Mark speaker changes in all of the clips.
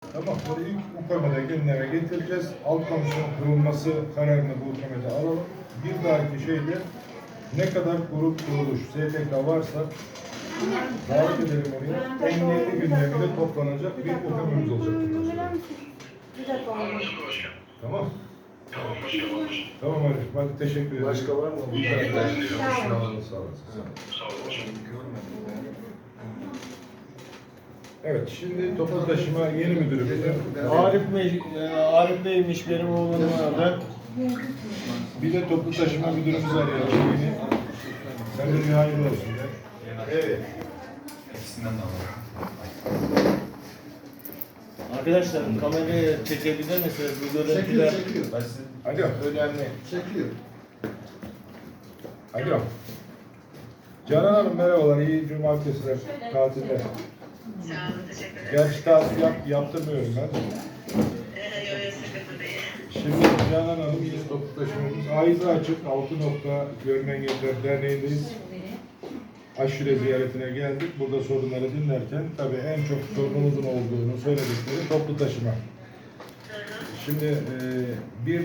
Speaker 1: Tamam. Bunu ilk UKM'de gündeme getireceğiz. Alt komisyon kurulması kararını bu UKM'de alalım. Bir dahaki şeyde ne kadar grup kuruluş, STK varsa davet edelim oraya. Emniyetli gündeminde toplanacak bir UKM'miz olacak. Tamam. Tamam Ali. Hadi teşekkür ederim.
Speaker 2: Başka var mı?
Speaker 1: Sağ olun. Evet, şimdi toplu taşıma yeni müdürümüz.
Speaker 2: Arif Bey'miş benim oğlanın adı.
Speaker 1: Bir de toplu taşıma müdürümüz arayalım yeni. Sen de bir hayırlı olsun.
Speaker 2: Evet.
Speaker 3: İkisinden de alalım.
Speaker 2: Arkadaşlar kamerayı çekebilir misiniz? Bu görüntüler
Speaker 4: Çekiyor.
Speaker 1: Alo.
Speaker 2: önemli.
Speaker 4: Çekiyor.
Speaker 1: Alo. Canan Hanım merhabalar, iyi cumartesiler, tatilde.
Speaker 5: Sağ olun, teşekkür ederim.
Speaker 1: Gerçi tatil yaptırmıyorum ben.
Speaker 5: Yok, sıkıntı değil.
Speaker 1: Şimdi Canan Hanım yeni toplu taşımamız. Ayda açık 6 nokta Görme Engelliler Derneği'ndeyiz. Aşure ziyaretine geldik. Burada sorunları dinlerken tabii en çok sorunumuzun olduğunu söyledikleri toplu taşıma. Şimdi bir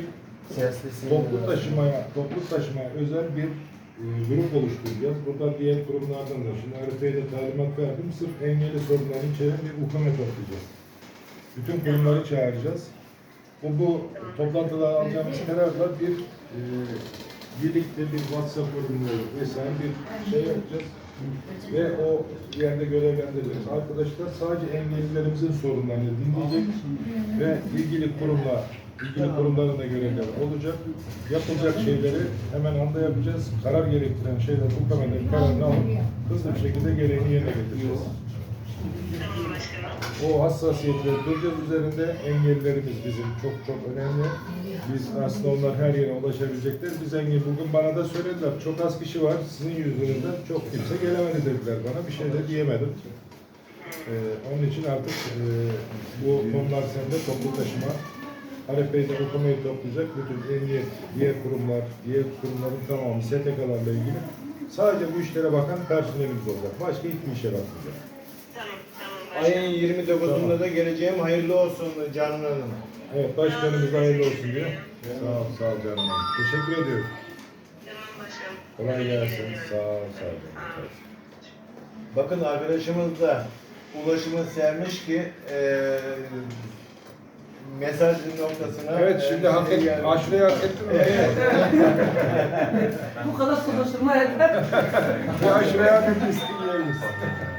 Speaker 1: toplu taşımaya özel bir grup oluşturacağız. Buradan diğer kurumlardan da şimdi Arif Bey'e de talimat verdim. Sırf engelli sorunları içeren bir UKM'e toplayacağız. Bütün kurumları çağıracağız. Bu toplantıda alacağımız kararla birlikte bir WhatsApp grubu vesaire bir şey yapacağız. Ve o yerde görevlendireceğiz. Arkadaşlar sadece engellilerimizin sorunlarını dinleyecek ve ilgili kurumların da görevleri olacak. Yapılacak şeyleri hemen anda yapacağız. Karar gerektiren şeyler bu kameranın kararını alıp hızlı bir şekilde gereğini yerine getireceğiz.
Speaker 5: Tamam başkanım.
Speaker 1: O hassasiyetleri duracağız üzerinde. Engellilerimiz bizim çok önemli. Biz aslında onlar her yere ulaşabilecekler. Biz engelli. Bugün bana da söylediler. Çok az kişi var. Sizin yüzünüzden çok kimse gelemedi dediler bana. Bir şey de diyemedim. Onun için artık bu konular sende toplu taşıma. Arif Bey de UKM'yi toplayacak. Bütün emniyet, diğer kurumların tamamı STK'larla ilgili. Sadece bu işlere bakan personelimiz olacak. Başka hiçbir işe bakmayacak.
Speaker 5: Tamam başkanım.
Speaker 2: Ayın 29'unda da geleceğim. Hayırlı olsun Canan Hanım.
Speaker 1: Evet, başkanımız hayırlı olsun diyor. Sağ ol canım. Teşekkür ediyorum.
Speaker 5: Tamam başkanım.
Speaker 1: Kolay gelsin. Sağ ol.
Speaker 2: Bakın arkadaşımız da ulaşımı sermiş ki mesaj noktasına.
Speaker 1: Evet, şimdi aşureyi hak ettin mi?
Speaker 2: Evet.
Speaker 6: Bu kadar konuşulma yeter.
Speaker 1: Bu aşureyi hak etmişsin.